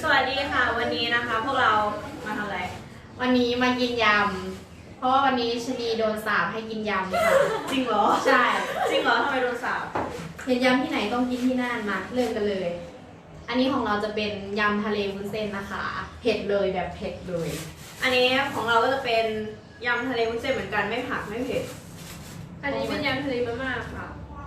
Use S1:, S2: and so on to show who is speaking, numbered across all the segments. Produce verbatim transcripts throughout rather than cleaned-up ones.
S1: สวัสดีค่ะวันนี้นะคะพวกเรามาทำอะไร
S2: วันนี้มากินยำเพราะว่าวันนี้ชนีโดนสาปให้กินยำค่ะ
S1: จริงเหรอ
S2: ใช่
S1: จริงเหรอทำไมโดนสาป
S2: เห็นยำที่ไหนต้องกินที่นั่นมาเริ่มกันเลย อันนี้ของเราจะเป็นยำทะเลวุ้นเส้นนะคะเผ็ดเลยแบบเผ็ดเลย
S1: อันนี้ของเราก็จะเป็นยำทะเลวุ้นเส้นเหมือนกันไม่ผักไม่เผ็ด
S3: อันนี้เป็นยำทะเลมาม่าค่ะ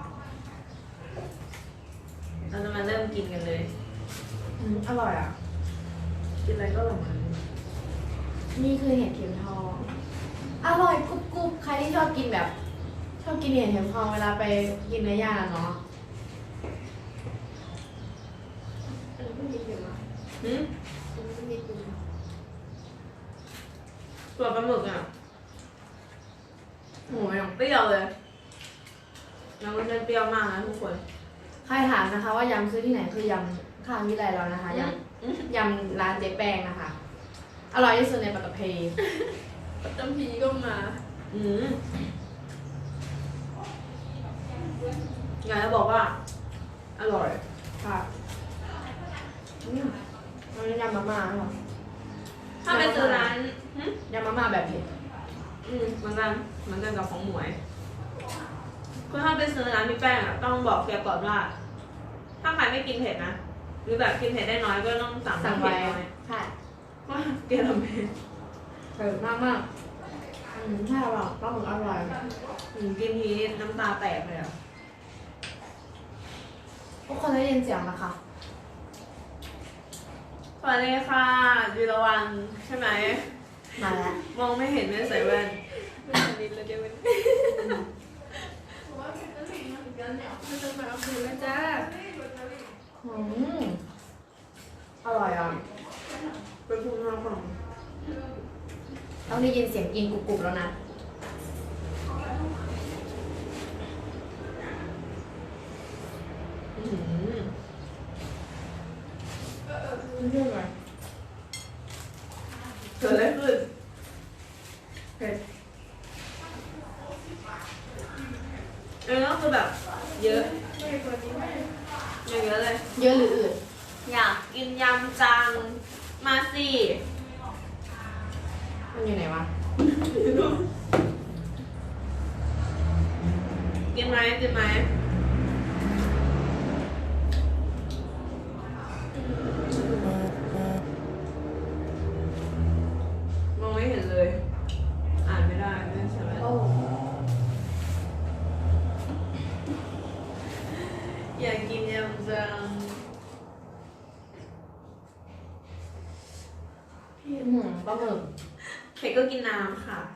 S1: เราจะมาเริ่มกินกันเลย
S2: อืมอร่อยอ่ะ
S1: กินอะไรก็อร่อย
S2: นี่คือเห็ดเข็มทองอร่อยกรุบกรุบใครที่ชอบกินแบบ ชอบกินเห็ดเข็มทองเวลาไปกินเนื้อย่างเนาะ
S3: อันนี้ไม่มีเค็มอ่ะ
S1: หืม
S3: อันนี้ไม่มีเค็ม
S1: ตัวปลาหมึกอ่ะ
S2: โอ้ย
S1: เปรี้ยวเลยน้ำมันเปรี้ยวมากนะทุกคน
S2: ใครถามนะคะว่ายำซื้อที่ไหนคือยำข้างวิไลเรานะคะยำยำร้านเจ๊แป้งนะคะอร่อยที่สุดในปัตตภี
S3: ปัตตภีก็มา
S1: อืมอยากจะบอกว่าอร่อย
S2: ค่ะอืมอันนี้ยำมาม่าค่ะ
S1: ถ้าไปซื้อร้าน
S2: ยำมาม่าแบบเผ็ด
S1: อืมเหมือนกันเหมือนกันกับของหมวยคือถ้าไปซื้อร้านพี่แป้งอ่ะต้องบอกแกก่อนว่าถ้าใครไม่กินเผ็ดนะหรือแบบกินเผ็ดได้น้อยก็ต้องสั่ง
S2: สั่งไว้ใช่
S1: ว่าแกทำเผ็ด
S2: เผ็ดมากมากอืมใช่ป่ะก็เหมือนอร่อย
S1: อืมกินทีน้ำตาแตกเลยอ่ะ
S2: ทุกคนได้ยินเสียงนะคะ
S1: สวัสดีค่ะยูรวันใช่ไหม
S2: มาแล้ว
S1: มองไม่เห็นไม่ใส่แว่น
S3: ไม่ทันนิดเลยเดี๋ยวมันว่าเป็นกะหรี่เหมือนกันเนี่ยมันจะมาเอาคืนแล้วจ้า
S2: อืมอร่อยอ่ะ
S1: เป็นภูมิภาค
S2: ต้องได้ยินเสียงกินกรุบๆแล้วนะ
S1: อืม
S2: เรื่องอะไร
S1: เกิดอะไรขึ้นเผ็ดเออก็คือแบบเยอะเยอะเลย
S2: เยอะหรืออืด
S1: อยากกินยำจังมาสิ
S2: มันอยู่ไหนวะ
S1: กินไหมกินไหมมองไม่เห็นเลยอ่านไม่ได้ไม่ใช่ไหมอยากกินยำจัง
S2: อืมปลาหมึก
S1: เผ็ดก็กินน้ำค่ะ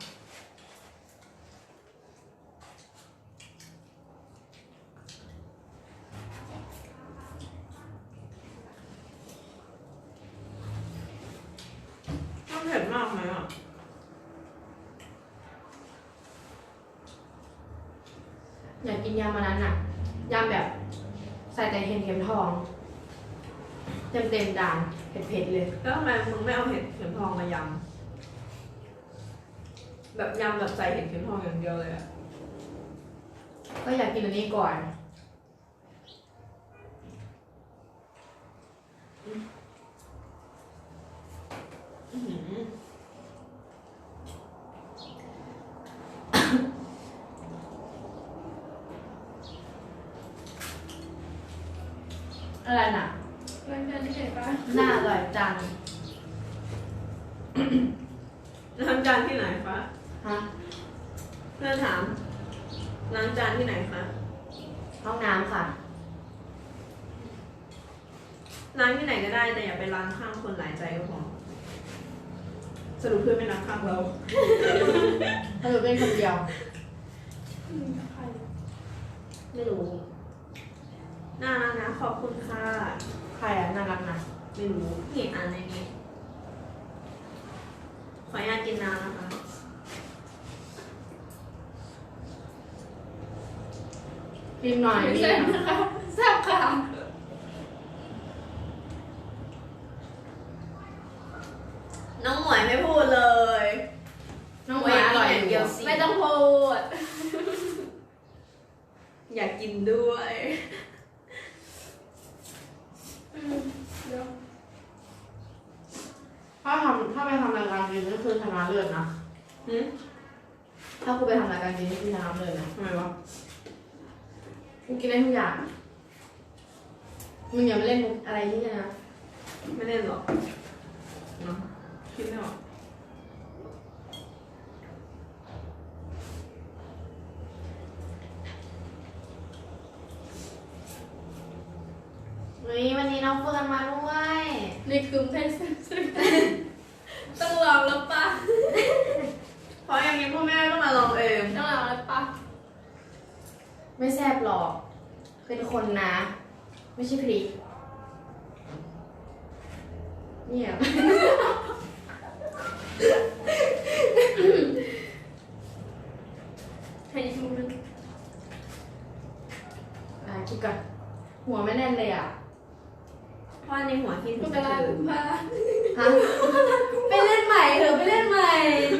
S1: ต้องเผ็ดมากไหมอ่ะ
S2: อยากกินยำมานั้นน่ะยำแบบใส่แต่เห็ดเข็มทองเต็มเต็มจานเผ็ดๆเลย
S1: แล้วทำไมมึงไม่เอาเห็ดเข็มทองมายำแบบยำแบบใส่เห็ดเข็มทองอย่างเดียวเลยอ่ะ
S2: ก็อยากกินอันนี้ก่อนอะไรน่ะ
S3: ร้านกันที่ไหนปะ
S2: น่าอร่อยจัง
S1: ล้างจานที่ไหนคะ
S2: ฮะ
S1: เพื่อนถามล้างจานที่ไหนคะ
S2: ห้องน้ำค่ะ
S1: ล้างที่ไหนก็ได้แต่อย่าไปล้างข้างคนหลายใจก็พอสรุปเพื่อนไม่ล้างข้างเรา
S2: ถ้าเราเป็นคนเดียว
S3: ใคร
S2: ไม่รู้
S1: น่ารักนะขอบคุณค่ะ
S2: ใครอ่ะน่ารักนะ
S1: ไม่รู้เห็นอ่านในนี้ขออนุญาตกินน้ำนะคะ
S2: กินหน่อย
S3: นี่นะคะแซ่บค่ะ
S1: น้องหมวยไม่พูดเลย
S2: น้องหมวยอร่อยเดียว
S3: ไม่ต้องพูด
S1: อยากกินด้วย
S3: เดี๋ยว
S2: กินก็คือชนะเลิศนะ
S1: หืม
S2: ถ้ากูไปทำรายการกินนี่คือชนะเลิศนะ
S1: ทำไมวะ
S2: กูกินได้ทุกอย่างมึงอย่ามาเล่นมุกอะไรที่นี่นะ
S1: ไม่เล่นหรอกเนาะคิดไม่ออก
S2: เฮ้ยวันนี้น้องเฟิร์นมาด้วย
S3: ในกลุ่มเพศซึ่งต้องลองแล้วปะ
S1: เพราะอย่างนี้พ่อแม่ก็มาลองเอง
S3: ต้องลองแล้วปะ
S2: ไม่แซ่บหรอก เป็นคนนะ ไม่ใช่พริกเนี่ย
S3: ให้ชูนึง
S2: อ่ะคิดก่อนหัวไม่แน่นเลยอ่ะ
S1: เพราะในหัวคิดถึ
S3: ม
S1: ง
S3: ก
S1: แต่
S3: รา
S1: คื
S3: คุ
S1: น
S3: มภา
S2: ฮะ ไปเล่นใหม่เถอะไปเล่นใหม่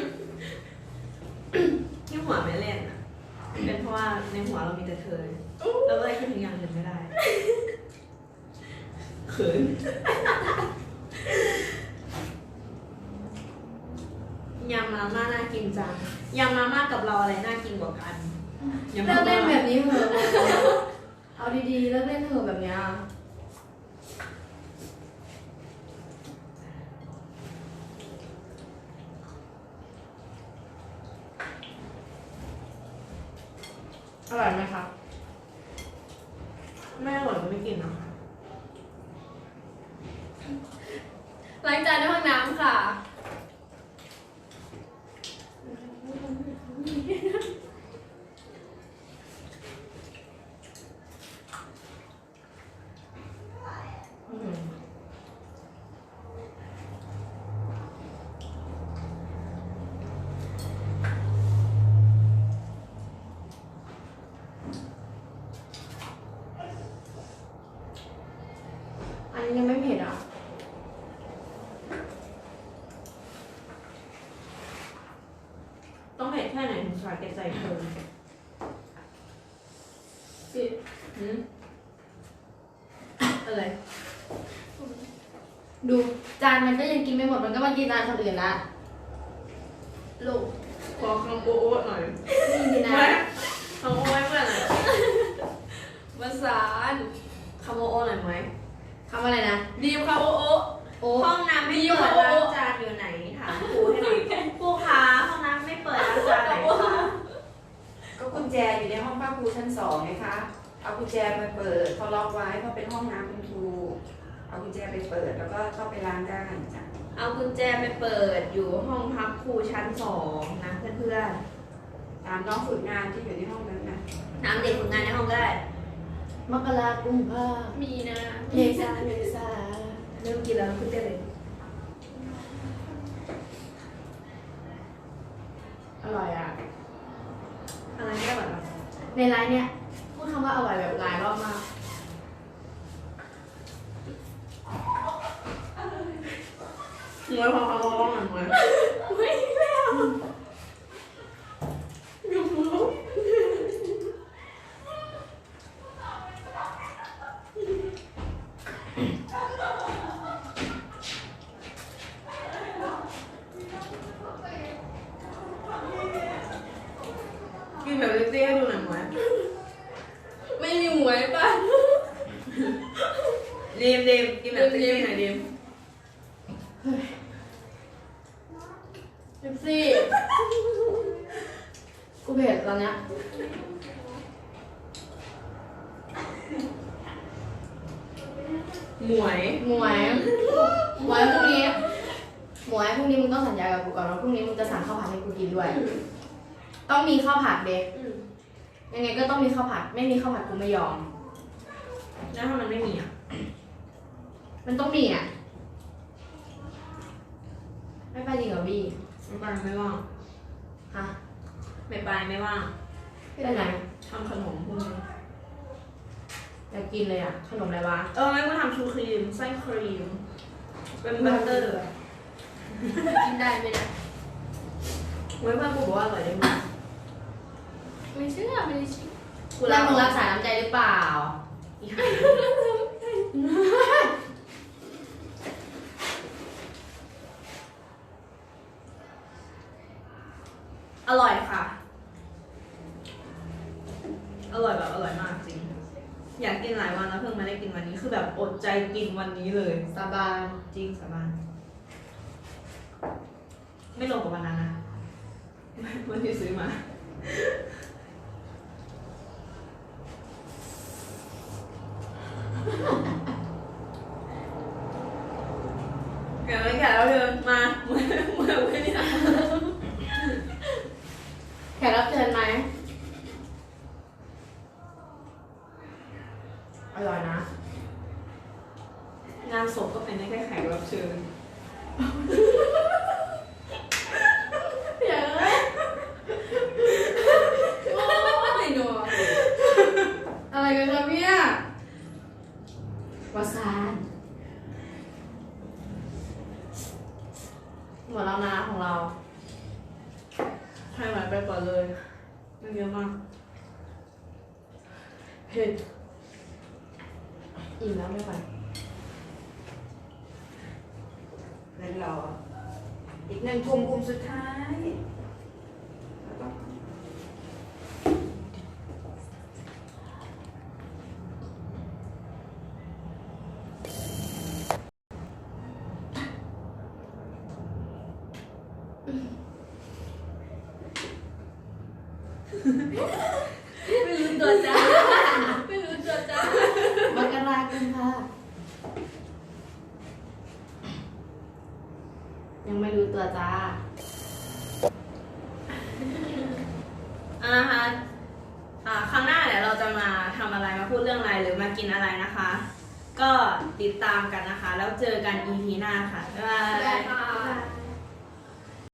S1: ที่หัวไม่เล่นอ่ะ เป็นเพราะว่าในหัวเรามีแต่เธอเราก็เลยคิดถึงอย่างอื่นไม่ได้เขินยำมาม่าน่ากินจังยำมาม่ากับเราอะไรน่ากินกว่ากันยำ
S2: เลิ
S1: มาก ม่า
S2: เล่นแบบนี้เถอะเอาดีๆเลิกเล่นเถอะแบบเนี้ยอร่อยไหมครับ
S1: ไม่อร่อยก็ไม่กินเนาะ
S3: ล้างจานในห้องน้ำค่ะ
S2: อืมอันนี้ยังไม่เผ็ดอ่ะ
S1: ต้องเผ็ดแค่ไหนถึงสาแก่ใจเธอ
S3: สิ
S1: หืมอะไร
S2: ดูจานมันก็ยังกินไม่หมดมันก็มากินจานคนอื่นละ
S3: ลูก
S1: ขอคำโอ้ๆหน่อย
S2: นี่สินะ
S1: คำโอ้ไว้เพื่อนหน่อย
S3: ภาษาน
S1: คำโอ้ๆหน่อยไหม
S2: ทำอะไรนะ
S3: ดีมค่ะโอโอ
S2: โอ้
S1: ห้องน้ำไม่เปิดล้างจานอยู่ไหนถามครูให้หน่อยครูคะห้องน้ำไม่เปิดล้างจานไหนคะ
S4: ก็กุญแจอยู่ในห้องป้าครูชั้นสองไงคะ เอากุญแจไปเปิดเขาล็อกไว้เพราะเป็นห้องน้ำคุณครู เอากุญแจไปเปิดแล้วก็เข้าไปล้างได้จ้ะ
S1: เอากุญแจไปเปิดอยู่ห้องพักครูชั้นสองนะเพื่อน
S4: ตามน้องฝึกงานที่อยู่ในห้องนั้นนะ
S1: ๆน้ำเด็กฝึกงานในห้องก็ได้
S2: มกรากุมภา
S3: มีนะ
S2: เมษาเมษา
S1: เริ่มกินแล้วคุณเต้เลย
S2: อร่อยอ่ะ
S1: อะไรไม่อร่อยหรอ
S2: ในไลน์เนี้ยพูดคำว่าอร่อยแบบหลายรอบมาก
S1: หมวยพอเขาร้องหน่อยหมวย
S3: ไม่แล้วอยู่รู้
S1: กินแบบเซ็กซี่ให้ดูหน่อยหมวย
S3: ไม่มีหมวยป่ะ
S1: ดีมดีมกินแบบเซ็กซี่หน่อยดีม
S2: เอฟซี่กูเผ็ดตอนเนี้ย
S1: หมวย
S2: หมวยหมวยพรุ่งนี้หมวยพรุ่งนี้มึงต้องสัญญากับกูก่อนว่าพรุ่งนี้มึงจะสั่งข้าวผัดให้กูกินด้วย ต้องมีข้าวผัดเด็ก
S3: อืม
S2: ยังไงก็ต้องมีข้าวผัด ไม่มีข้าวผัดกูไม่ยอม
S1: แล้วถ้ามันไม่มีอ่ะ
S2: มันต้องมีอ่ะ ไม่ไปจริงเหรอพี่
S1: ไม่ไปไม่ว่าง
S2: ฮะ
S1: ไม่ไปไม่ว่าง
S2: ไปไหน
S1: ทำขนมพวกนี้
S2: อยากกินเลยอ่ะ ขนมอะไรวะ
S1: เออไม่ก็ทำชูครีมไส้ครีม เป็นบัตเตอร์
S3: กินได้ไหมนะ
S1: เว้ยเพื่อนกูบอกว่าอร่อยได้มาก
S3: ไม่เชื่อไม่ได้เชื่อ
S1: กู
S2: แล้
S1: รั
S2: ว
S1: ก
S2: มึงรักษาน้ำใจหรือเปล่า
S1: อีห่านี้คือแบบอดใจกินวันนี้เลย
S2: สาบาน
S1: จริงสาบานไม่ลงกับวันนั้นนะวันที่ซื้อมาแกะไม่แกะแล้วเธอมาเมื่อเมื่อไม่ได้
S2: แขกรับเชิญไหมอร่อยนะ
S1: งานศพก็เป็นได้แค่แขกรับเชิญ
S2: อย่าเลย
S3: โอ้ยหนู
S2: อะไรกันครับเนี่ยประสานหมดแล้วนะของเรา
S1: ให้ไหวไปก่อนเลยไม่เยอะมาก
S2: เผ็ดอิ่มแล้วไม่ไหว
S4: เงินรออีกหนึ่งกลุ่มกลุ่มสุดท้ายแล้วก็
S3: ไม่รู้ตัวจ้าไม่รู้ตัวจ้าม
S2: กรากุมภายังไม่รู้ตัวจ้า
S1: อ่ะนะคะอ่าครั้งหน้าเดี๋ยวเราจะมาทำอะไรมาพูดเรื่องอะไรหรือมากินอะไรนะคะ ก็ติดตามกันนะคะ แล้วเจอกัน อี พี หน้าค่ะบ๊ายบาย
S3: ได้ค่ะ